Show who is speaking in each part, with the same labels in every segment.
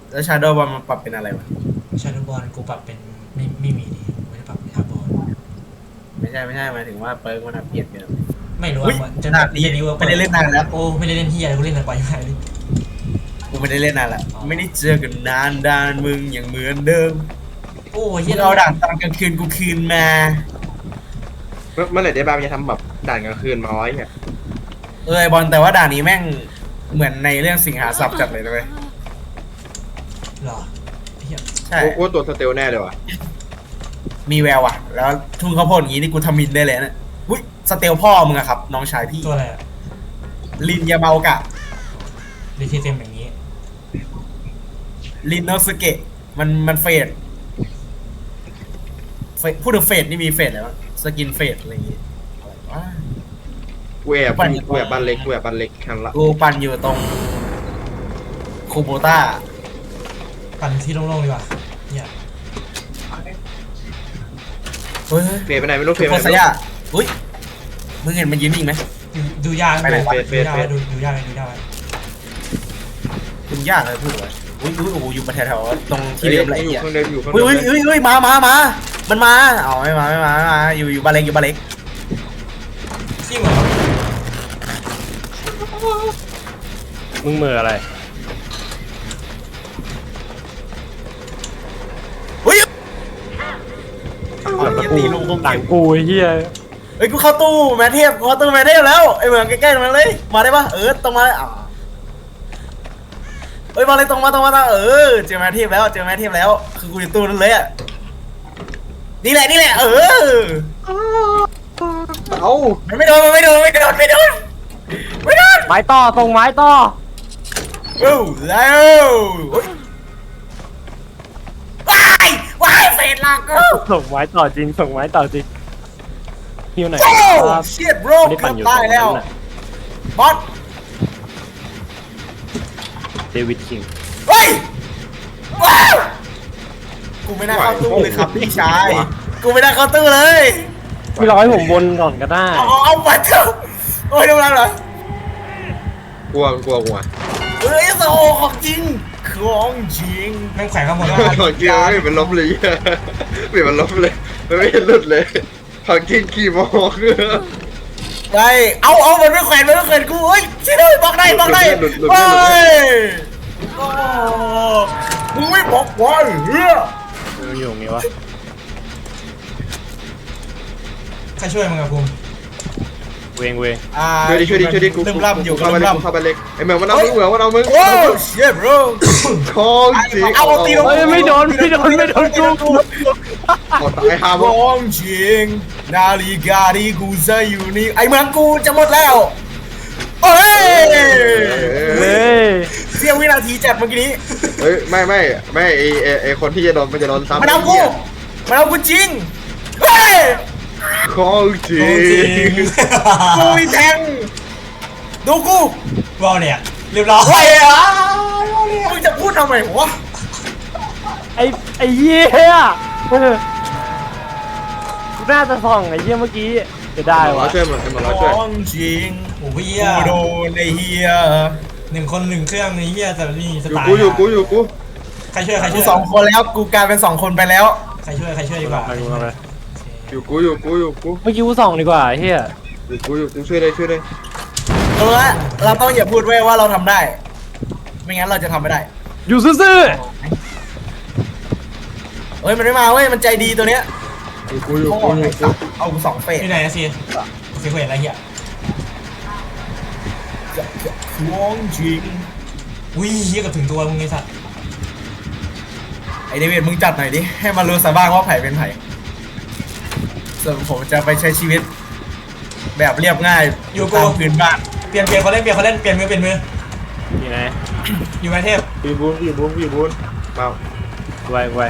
Speaker 1: แล้วชาโดว์บอลมันปรับเป็นอะไรวะ
Speaker 2: ชาโดว์บอลกูปรับเป็นไม่มีดิไม่ได้ปรับเป็นทับบอล
Speaker 1: ไม่ใช่หมายถึงว่าเปิร์กมันเปลี่ยนไปแล้ว
Speaker 2: ไม่รู้
Speaker 1: อุ้ย
Speaker 2: อ่ะจน
Speaker 1: ด่านนี้
Speaker 2: เย็นนี้ว่า
Speaker 1: ไม่ได้เล่นนานแล้ว
Speaker 2: โอ้ไม่ได้เล่นที่อะไรกูเล่นแต่ปล่อยไปเลย
Speaker 1: กูไม่ได้เล่นนานแล้วไม่ได้เจอกันนานด่านมึงอย่างเหมือนเดิม
Speaker 2: โอ้เฮี
Speaker 1: มึ
Speaker 2: ย
Speaker 1: งเอาด่านตอนกลางคืนกูคืนมา
Speaker 3: เมื่อไหร่ได้บ้างจะทำแบบด่านกลางคืนมาไว้เนี่ย
Speaker 1: ไอบอลแต่ว่าด่านนี้แม่งเหมือนในเรื่องสิงหาสับจัดเลยนะเว้ย
Speaker 2: หรอเฮีย
Speaker 1: ใช่
Speaker 3: กูตัวสเตลแน่เลยว่ะ
Speaker 1: มีแววอ่ะแล้วทุ่งข้าวโพดอย่างนี้นี่กูทำมินได้เลยนะอุ้ยสเตลพ่อมึงอะครับน้องชายพี่
Speaker 2: ตัวอะไรอะ
Speaker 1: ลินยาเมากะ
Speaker 2: รีทีเต็มอย่างนี้
Speaker 1: ลินโนสเกะมันพูดถึงเฟดนี่มีเฟดอะไรวะสกินเฟดอะไรอย่างงี้อะไรวะ
Speaker 3: กูแอบบ้านเล็กทันละ
Speaker 1: กูปั่นอยู่ตรงคูโบต้า
Speaker 2: ปั่นที่โล่งๆดีกว่าเฮีย
Speaker 1: เฮ้ย
Speaker 3: เฟยไปไหนไม่รู้เฟยไป
Speaker 1: โค
Speaker 3: ไหน
Speaker 1: สยาอุ้ยมึงเห็นมันยืนนิ่งไหม
Speaker 2: ดูยาก
Speaker 1: ไปไหนวะ
Speaker 2: ดูยากดูยากดูยาก
Speaker 1: คุณยากเลยพูดเลยอุ้ยโอ้โหอยู่ประแถวๆตรงที่เดิมอะไร
Speaker 3: อยู่
Speaker 1: เงี้ย
Speaker 3: ข้างเดิมอยู่ข้างเดิ
Speaker 1: อุ้ย
Speaker 3: ม
Speaker 1: มามันมาอ๋อไม่มาอยู่บาเล็ก
Speaker 2: ขี้เหมือน
Speaker 4: มึงมืออะไร
Speaker 1: อุ้ย
Speaker 4: ตีลงหลังกูไอ้เหี้ย
Speaker 1: เฮ้ยกูเข้าตู้แมทเทพแล้วไอเหมืองใกล้ๆตรงนั้นเลยมาได้ปะตรงมาเลยเฮ้ยมาเลยตรงมาเจอแมทเทพแล้วคือกูอยู่ตู้นั้นเลยอ่ะนี่แหละ
Speaker 3: เอ้า
Speaker 1: ไม่โดน
Speaker 4: ไม้ต่อส่งไม้ต่อ
Speaker 1: แล้วว้ายเฟรนลากกู
Speaker 4: ส่งไม้ต่อจริงฮิวไหน
Speaker 1: เชียดโบรเกือบตายแล้วบอส
Speaker 4: เดวิดคิง
Speaker 1: เฮ้ยว้าวกูไม่น่าเข้าตู้เลยครับพี่ชายกูไม่น่าเข้าตู้เลย
Speaker 4: พี่ร้อยผมวนก่อนก็ได้
Speaker 1: เอาไปเถอะโอ้ยทำไรเหรอก
Speaker 3: ลัว
Speaker 1: เฮ้ยโซ่ของจริง
Speaker 2: แม่งแขวนข้างบน
Speaker 3: ของจริงไม่เป็นลบเลยไม่เป็นลบเลยไม่เห็นหลุดเลยของจริงขี่มอง
Speaker 1: ไปเอามันไม่แขวนกูเฮ้ยช่วยด้วยบอกได้เฮ้ยมึงไม่บอกว่าเฮ้ย
Speaker 4: อยู่ตรงนี้วะ
Speaker 2: ใครช่วยมึงอะภูมิ
Speaker 4: เวง
Speaker 3: ช่วยดิกู
Speaker 1: ลืมล่ำอยู่
Speaker 3: เข้าไปเล็กไอเหมือนมันเอามึง
Speaker 1: โอ้เชี่ยบรู
Speaker 3: ของจริง
Speaker 1: เอาตีลง
Speaker 4: ไม่โดนกู
Speaker 3: ตายฮาร์ม
Speaker 1: ของจริงนาฬิกาที่กูใส่อยู่นี่ไอเมืองกูจะหมดแล้วเฮ้ยเสี้ยววินาทีจัดเมื่อกี้นี้
Speaker 3: เฮ้ยไม่ไอคนที่จะโดนมันจะโดนซ้ำ
Speaker 1: มันเอากูจริงเฮ้ย
Speaker 3: ของจริง
Speaker 1: กูมีแทงดูกู
Speaker 2: วอลเนี่ยเรียบร้อย
Speaker 1: มึงจะพูดทำไมวะ
Speaker 4: ไอ้เหี้ยกูน่าจะส่องไอ้เหี้ยเมื่อกี้จะได้วะ
Speaker 3: ช่วยมันช่วย
Speaker 1: จริง
Speaker 2: โอ้เฮีย
Speaker 1: กูโดนไอ้เฮีย
Speaker 2: 1 คน 1 เครื่องไอ้เฮียแต่นี่สไตล์
Speaker 3: อยู่กู
Speaker 2: ใครช่วย
Speaker 1: กู2 คนแล้วกูกลายเป็น2 คนไปแล้ว
Speaker 2: ใครช่วยดีกว่า
Speaker 3: อยู่กู
Speaker 4: เมื่อกี้กูส่องดีกว่าเฮีย
Speaker 3: อยู่กูช่วยเลย
Speaker 1: เราต้องอย่าพูดไว้ว่าเราทำได้ไม่งั้นเราจะทำไม่ได้
Speaker 4: อยู่ซื่อ
Speaker 1: เฮ้ยมันไม่มาเว้ยมันใจดีตัวเนี้ย
Speaker 3: อยู่กู
Speaker 1: เอากู2 เฟส
Speaker 2: ที่ไหนนะซีโอเคเห็นอะไรเหี้ย
Speaker 1: วงจริง
Speaker 2: อุ้ยเหี้ยกับถึงตัวมึงไอ้สัตว์
Speaker 1: ไอเดวิดมึงจัดหน่อยดิให้มันรู้ซะบ้างว่าไผ่เป็นไผ่ส่วนผมจะไปใช้ชีวิตแบบเรียบง่ายตามพื้นบ้าน
Speaker 2: เปลี่ยนเขาเล่นเปลี่ยนมือ
Speaker 4: นี่ไง
Speaker 2: อยู่ไหมเทพ
Speaker 3: อยู่บูนเปล่า
Speaker 4: ไว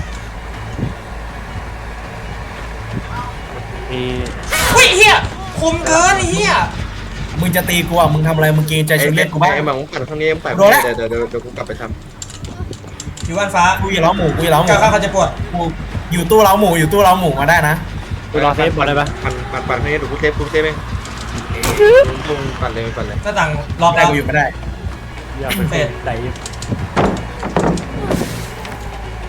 Speaker 4: มี
Speaker 2: อุ้ยเฮียคมเกินเฮีย
Speaker 1: มึงจะตีกูอ่ะมึงทำอะไรมึงเกรงใจชีวิตกูบ้าง
Speaker 3: ไอ้หมาของปั่นข้างนี้ปั่นเดี๋ยวกูกลับไปท
Speaker 2: ำอยู่บ้านฟ้า
Speaker 1: กูอยู่เล้าหมู
Speaker 2: เขาจะปวด
Speaker 1: กูอยู่ตู้เล้าหมูมาได้นะ
Speaker 4: กูรอเซฟก่อนได้ปะ
Speaker 3: ปั่นข้างนี้เดี๋ยวกูเซฟเองปั่นเลย
Speaker 2: ก็ต่างรอบ
Speaker 1: ได้กูอยู่ไม่ได้
Speaker 4: อย่าเป็นเฟสไหน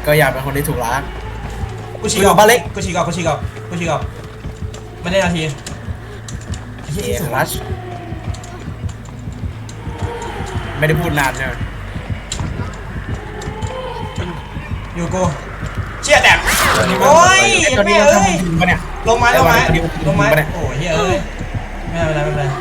Speaker 1: ก็อยากเป็นคนที่ถูกรัก
Speaker 2: กูฉีกออก
Speaker 1: บ้านเล็ก
Speaker 2: กูฉีกออกไม่ได้นาที
Speaker 1: เอรัชไม่ได้พูดนานเนี่ย
Speaker 2: อยู่กูเชี่ยแตกโอ้ย
Speaker 1: ตอนนี้
Speaker 2: แม่
Speaker 1: เรา
Speaker 2: เอ้ย
Speaker 1: ทำจริงปะเนี่ย
Speaker 2: ลงไม้
Speaker 1: ไอ้วันนี้
Speaker 2: โอ้ย
Speaker 1: กู
Speaker 2: เฮียเอ้ยไม่เป็นไร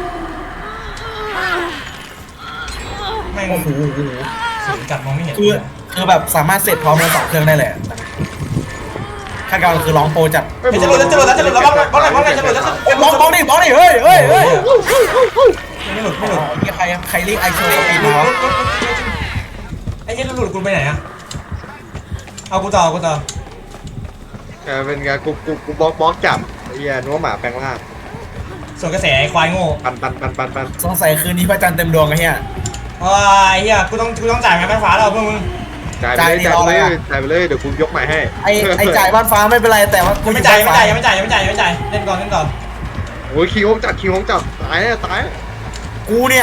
Speaker 2: แม่ง
Speaker 1: โอ้โห
Speaker 2: สูงกัดมองไม่เห็น
Speaker 1: คือแบบสามารถเสร็จพร้อมกัน2เครื่องได้เลยขั้นกลางคือร้องโปรจัด
Speaker 2: เฮ้ยจะหลุดแล้วบล็อกเลยจะหลุดแล้ว
Speaker 1: บล็อกดิเฮ้ย
Speaker 2: ไม่หลุด
Speaker 1: ใครเรียกไอโชว์สปีดมาวะ
Speaker 2: ไอ้เหี้ยหลุดกูไปไหนอะเอากูต่อ
Speaker 3: เป็นไงกูบล็อกจับไอ้เหี้ยนัวหมาแปลงร่าง
Speaker 2: ส่วนกระแสไอ้ควายโง่
Speaker 3: ปัน
Speaker 1: สงสัยคืนนี้พระจันทร์เต็มดวงไอ้เหี้ย
Speaker 2: ว้าไอ้เหี้ยกูต้องจ่ายไงแม่ฟ้าเราเพื่อนมึง
Speaker 3: จ่ายไปเลยเดี๋ยวกูยกใหม่ให้
Speaker 1: ไอจ่ายบ้านฟ้าไม่เป็นไรแต่ว่ากู
Speaker 2: ไม่จ่ายยังไม่จ่ายเล่นก่อน
Speaker 3: โอ้ยคิงฮงจับตายแน่ตาย
Speaker 1: กูเนี่ย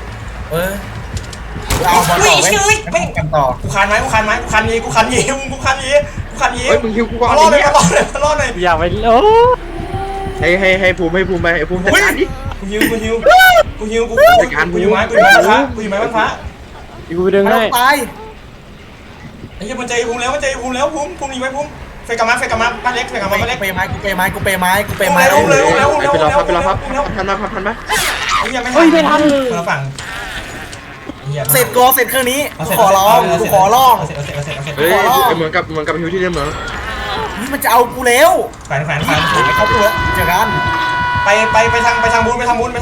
Speaker 1: เอาบอลต่อไว้กันต่อ
Speaker 2: กูคันยี
Speaker 3: เฮ้ยมึงคิวกูก่อน
Speaker 2: มารอดเลย
Speaker 4: อยากไปโอ้
Speaker 3: ให้ภูมิไปให้ภูมิจัดการดิ
Speaker 2: กูฮิวกูอยู่ไม้บ้านฟ้า
Speaker 4: กูไปดึงให้
Speaker 1: ตาย
Speaker 2: ไอ้เหี้ยมันใจภูมิแล้วภูมิยิงไว้ภูมิเฟกกลับมาบ้านเล็กเฟกกลับมาบ้านเล็ก
Speaker 1: กูเปย์ไม้ไปรอครับ
Speaker 3: ทันไหม
Speaker 2: ไอ้เหี้ยไม่ทันคนละฝั่ง
Speaker 1: เสร็จเครื่องนี้กูขอร้อง
Speaker 3: เฮ้ยเหมือนกับฮิวที่เดิมเหมือน
Speaker 1: นี่มันจะเอากูแล้ว
Speaker 2: แขวน
Speaker 1: เขาตัวแล้วเจอกัน
Speaker 2: ไปทางบุญแล้ว
Speaker 4: มึง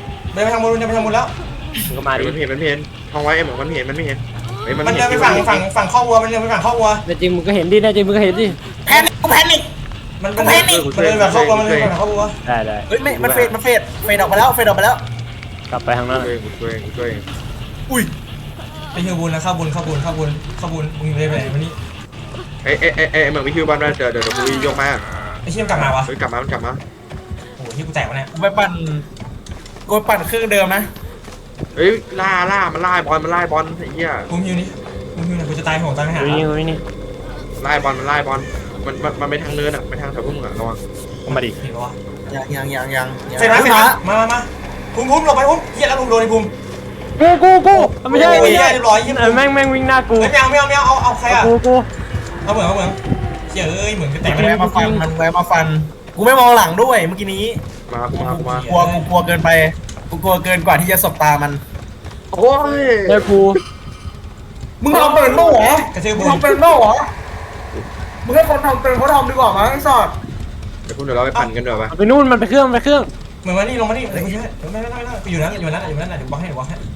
Speaker 4: ก็มาดิ
Speaker 3: มันเห็นท้องไว้เหมือนมันเห็นไม่เห็น
Speaker 2: มันเดินไปฝั่งข้อวัว
Speaker 4: แต่จริงมึงก็เห็นดิ
Speaker 1: แพนิค
Speaker 2: มันเดินแบบข้อวัว
Speaker 4: ได้
Speaker 1: เฮ้ยไม่มันเฟดออกไปแล้ว
Speaker 4: กลับไปทางนั้น
Speaker 3: ช่วย
Speaker 1: อุ้ย
Speaker 2: ไปฮิวบุญนะเข้าบุญมึงเลยไปไหนวันนี้
Speaker 3: เหมือนวิฮิวบ้านเดี๋ยวกูยกมา
Speaker 2: ไอ้เชี่ยกลับมาวะ
Speaker 3: เฮ้ยกลับมา
Speaker 2: โอ้โหที่กูแตกวะเนี่ย
Speaker 1: กูไปปั่นเครื่องเดิมนะ
Speaker 3: เฮ้ยล่ามันไล่บอลไอ้เหี้ย
Speaker 2: ภูมิฮิวนี่กูจะตายโหงตายไม่หา
Speaker 4: นี่
Speaker 3: ไล่บอลมันไปทางเนินอ่ะไปทางแถวพวกมึงอ่ะระวัง
Speaker 4: มาดิ
Speaker 2: เห็นปะวะ
Speaker 1: ยัง
Speaker 2: เฟรมาภูมิหลบไปภูมิเหี้ยแล้วภูมิโดนไอ้ภูมิ
Speaker 4: กูไม่ใช่
Speaker 2: เรียบร้อยเหี้ย
Speaker 4: แม่งวิ่งหน้ากู
Speaker 2: ไม่เอาใครอะ
Speaker 4: กู
Speaker 2: เอาเหมือนเชี่ยเหมือนจะแตก
Speaker 1: มันแวะมาฟันกูไม่มองหลังด้วยเมื่อกี้นี้
Speaker 3: มาก
Speaker 1: ลัวเกินไปกูกลัวเกินกว่าที่จะสบตามัน
Speaker 3: โอ้ย
Speaker 4: ได้กู
Speaker 1: มึงทำเป็นโม่เหรอ
Speaker 2: กระเทือ
Speaker 1: มึ
Speaker 2: บุ
Speaker 1: ง
Speaker 2: ญ
Speaker 1: ทำเป็นโม่เหรอมึงให้คนทำเป็นเขาทำดีกว่ามั้งไอ้สอด
Speaker 3: เดี๋ยวพวกเราไปปั่นกันเดี๋ยวไป
Speaker 4: ไปนู่นมันไปเครื่อง
Speaker 2: เหมือนว่านี่ลงมานี่ไม่อยู่นั่นเดี๋ยวบอกให้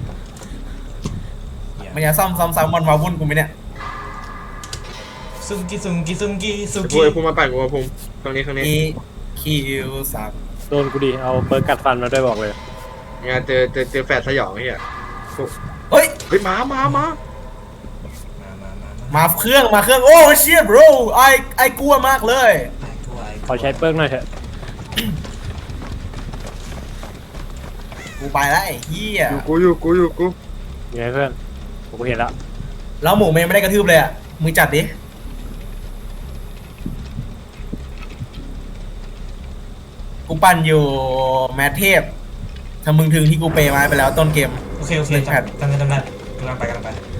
Speaker 1: มันจะซ้ำมันมาวุ่นกูไหมเนี่ย
Speaker 2: ซุงกี้
Speaker 3: ภูมิมาปั่นกูภูมิตรงนี้
Speaker 1: คิวสับ
Speaker 4: โดนกูดิเอาเปิร์กัดฟันมาด้วยบอกเลย
Speaker 3: งานเจอแฝดสยองไอ้เหี้ย
Speaker 1: เฮ้ย
Speaker 3: มา
Speaker 1: มาเครื่องโอ้เชียบรไอ้กลัวมากเลย
Speaker 4: ขอใช้เปิร์กหน่อยเถอะ
Speaker 1: กูไปแล้วไอ้เหี้ย
Speaker 3: อยู่กู
Speaker 4: ยังไงเพื่อนกูเห็นแล้ว
Speaker 1: แล้วหมูเมย์ไม่ได้กระทืบเลยอ่ะมึงจัดดิกูปั่นอยู่แมทเทพถ้ามึงถึงที่กูเปย์มาไปแล้วต้นเกม
Speaker 2: โอเคจำได้กำลังไป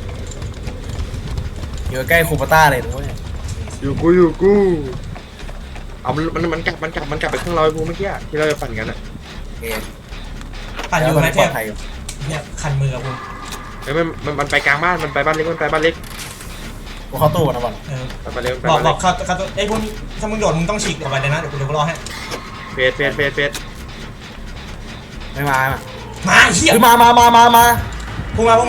Speaker 1: อยู่ใกล้คูปต้าเลยด้วย
Speaker 3: อยู่กูเอามันกลับไปข้างเราไอ้ภูมิเมื่อกี้ที่เราจะปั่นกันอ่ะ
Speaker 2: ปั่นอยู่ไหมเทพเนี่ยคันมือผม
Speaker 3: เฮ้ยมันไปกลางบ้านมันไปบ้านเล็ก
Speaker 1: กูเข้าตู้นะบอล
Speaker 3: ไปเร็ว
Speaker 2: บอกเขาไอ้พวกถ้ามึงโดดมึงต้องฉีกออกไปเลยนะเดี๋ยวกูรอให้
Speaker 3: เฟส
Speaker 1: ไม่มา
Speaker 2: มาเหี้ย
Speaker 1: มา
Speaker 2: พุ่งมา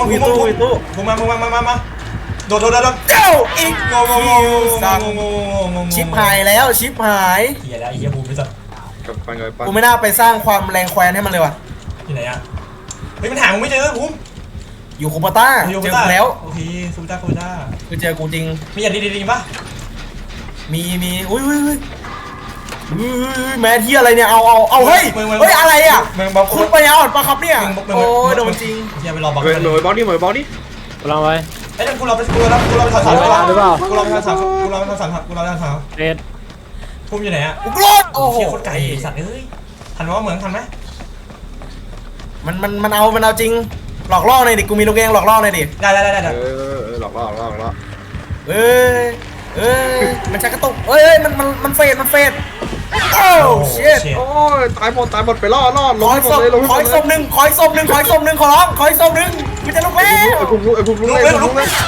Speaker 2: โดด
Speaker 1: เจ้าอีก
Speaker 2: งง
Speaker 1: ชิปหายแล้วชิปหาย
Speaker 2: เหี้ยแล้วไอ้เหี้ยบูมไปสัตว์
Speaker 3: กับปั่น
Speaker 1: กูไม่น่าไปสร้างความแรงแควนให้มันเลยว่ะ
Speaker 2: ที่ไหนอ่ะเฮ้ยมันหามึงไม่เจอบูม
Speaker 1: อยู่คูปต้าเจอกูแล้ว
Speaker 2: โอเคซูต้า
Speaker 1: คือเจอกูจริง
Speaker 2: มีอย่างดีป่ะ
Speaker 1: มีอุ้ยแมทที่อะไรเนี่ยเอาเฮ้ยอะไรอ่ะคุณไปอ่อนปะครับเนี่ยโอ้ยโดนจริง
Speaker 2: อย่าไปรอบอก
Speaker 3: เหมยบอลนี่
Speaker 4: กำลังไป
Speaker 2: ไเดี๋ยวกูเราไปถอดสามดีกว่ากูเราไปถอดสาม
Speaker 4: เอ็ด
Speaker 2: ภูมิอยู่ไหนอะ
Speaker 1: กูรอดโอ้โห
Speaker 2: เชี่ยโคตรไกลไอ้สัตว์เอ้ยทันวะเหมือนทันไหม
Speaker 1: มันเอาจริงหลอกล่อหน่อยดิกูมีลูกเองหลอกล่อหน่อยดิ
Speaker 2: ได้
Speaker 3: หลอกล่อ
Speaker 1: เอ้ยมันชักกระตุกเอ้ยมันเฟดโอ้เชิด
Speaker 3: โอ้ยตายหมดไปล่อลง
Speaker 1: ขอ
Speaker 3: ให้
Speaker 1: ย
Speaker 3: หม
Speaker 1: ศ
Speaker 3: ด
Speaker 1: พ
Speaker 3: เลยลงให้
Speaker 1: ข
Speaker 3: ห
Speaker 1: อ
Speaker 3: ม
Speaker 1: ย
Speaker 3: ด
Speaker 1: ศพหนึ่งขอศพหนึ่งขอร้องขอยศพหนึ่งมันจะลุกแล้ว
Speaker 3: ไอ้ภูมิลุก
Speaker 2: ลุกเร็ว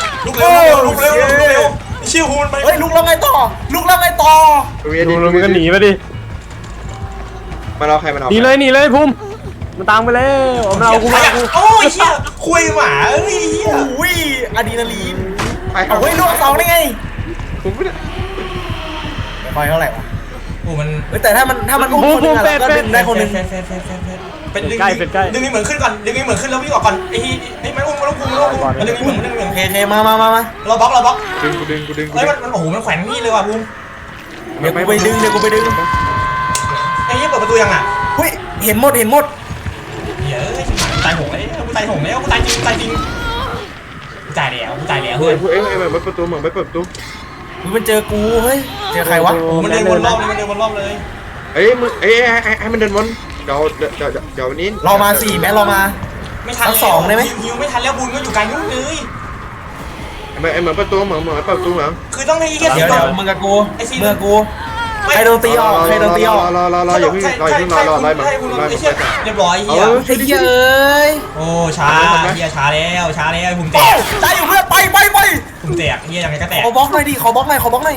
Speaker 2: เชี่ยภูมิมันไป
Speaker 1: เฮ้ยลุกแล้วไงต่อ
Speaker 4: ดูมันก็หนีไปดิ
Speaker 3: มันเอาใครมันเอา
Speaker 4: หนีเลยภูมิมันตามไปแล้วมันเอากูมากู
Speaker 2: โอ้ยเชี่ยคุยหมาเอ้ยเหี้ย
Speaker 1: อุ้ยอะดรีนาลีน
Speaker 3: ไป
Speaker 1: เอาเฮ้ยลูกสองได้ไง
Speaker 3: ผมไม่ได้
Speaker 1: ไฟเท่าไหร่วะ
Speaker 2: โอ้มัน
Speaker 1: เฮ้ยแต่ถ้ามันอุ้มคนนึงอะเราก็ดึงได้คนนึง
Speaker 2: เป็นดึงนี่เหมือนขึ้นก่อนดึงนี่เหมือนขึ้นแล้ววิ่งออกก่อนไอ้นี่มันอุ้มมันดึงนี่เหมือน
Speaker 1: โอเคมา
Speaker 2: เราบล็อก
Speaker 3: กูดึง
Speaker 2: เฮ้ยมันโอ้โหมันแขวนนี่เลยว่ะภูมิ
Speaker 1: เดี๋ยวกูไปดึง
Speaker 2: ไอ้เหี้ยเปิดประตูยังอ่ะ
Speaker 1: เฮ้ยเห็นหมด
Speaker 2: เหี้ยตายโหงแล้วกูตายจริงตายแล้ว
Speaker 3: เฮ้
Speaker 2: เฮ้
Speaker 3: ย
Speaker 2: ย
Speaker 3: เอ้ยมันเปิดประตูเหมือนไม่เปิดประตู
Speaker 1: มันเจอกูเฮ้ยเจอใครวะ
Speaker 2: มันเดินวนรอบเลย
Speaker 3: เอ้ยมึงเอ้ยให้มันเดินวนเดี๋ยววันนี้
Speaker 1: เรามา4แม้เรามา
Speaker 2: ไม่ทัน
Speaker 1: เอาสองได้ไหม
Speaker 2: ฮิวไม่ทันแล้วบุญก็อยู่ไกลนู่นเลย
Speaker 3: เหมือนประตูเหมือนเปิดประตูเหมือน
Speaker 2: คือต้องให้เหี้ย
Speaker 1: เดี๋ยวมึงกับกูใครโดนตีออก
Speaker 3: รออย่าเพิ่งรอมัน
Speaker 2: เรียบร้อยเหี้ย
Speaker 1: ไอ้เหี้ยเอ้ย
Speaker 2: โอ้ช้าเหี้ยช้าแล้วภูมิแต
Speaker 1: โอ้
Speaker 2: ก
Speaker 1: ตายอยู่เพื่อนไป
Speaker 2: ภูมิแตกเหี้ยยังไงก็แตก
Speaker 1: ขอบล็อกหน่อยดิขอบล็อกหน่อย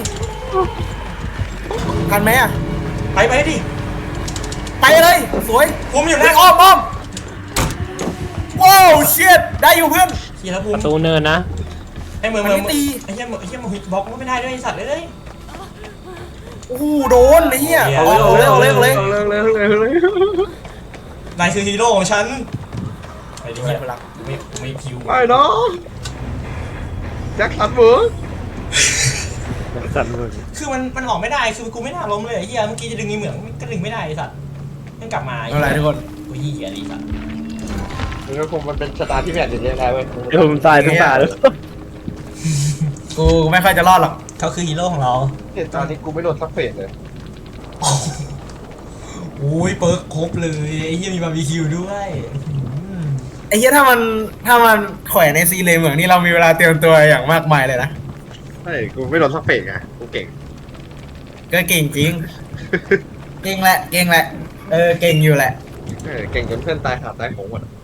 Speaker 1: กันไหมอะ
Speaker 2: ไปดิ
Speaker 1: ไปเลยสวย
Speaker 2: ภูมิอยู่
Speaker 1: ไอ้
Speaker 2: นะ
Speaker 1: อ้อมว้าวเชียดได้อยู่เพื่อน
Speaker 2: เหี้ยแล้วภู
Speaker 4: ป
Speaker 2: มิ
Speaker 4: ระตูเนินนะ
Speaker 2: ไอ้เมือง
Speaker 1: มันไม่ตี
Speaker 2: ไอ้เหี้ยมึงบล็อกก็ไม่ได้ด้วยไอ้สัตว์เลย
Speaker 1: โอ้โหโดนไอ้เหี้ย
Speaker 2: เหี้ย
Speaker 1: เอาเลย
Speaker 3: เลย
Speaker 2: นายคือฮีโร่ของฉันไปดิเหี้ยไม่พิว
Speaker 3: ไปเนาะแจ็คสันเวิร์
Speaker 4: สั่นเลย
Speaker 2: คือมันออกไม่ได้คือกูไม่น่าล้มเลยไอ้เหี้ยเมื่อกี้จะดึงนี่เหมืองก็ดึงไม่ได้ไอ้สัตว์ต้องกลับมา
Speaker 1: อะไรทุกคน
Speaker 2: กูเหี้ยไอ้สัตว์
Speaker 3: มันเป็นชะตาที่แผนอย่างนี้ได้เว้ย
Speaker 4: เดี๋ยวผมตายทั้งตาเลย
Speaker 1: กูไม่ค่อยจะรอดหรอก
Speaker 2: เขาคือฮีโร่ของเรา
Speaker 3: เหตุการณ์นี้กูไม่โดนสักเฟสเลย
Speaker 2: โอ้ยเปิร์กครบเลยไอ้เหี้ยมีบาร์บีคิวด้วย
Speaker 1: ไอ้เหี้ยถ้ามันแขวนในซีเลยเหมืองนี่เรามีเวลาเตรียมตัวอย่างมากมายเลยนะ
Speaker 3: ใช่กูไม่โดนสักเฟสไงกูเก่ง
Speaker 1: ก็เก่งจริง เก่งแหละเก่งอยู่แหละ
Speaker 3: เก่งจนเพื่อนตายหาตายของหมด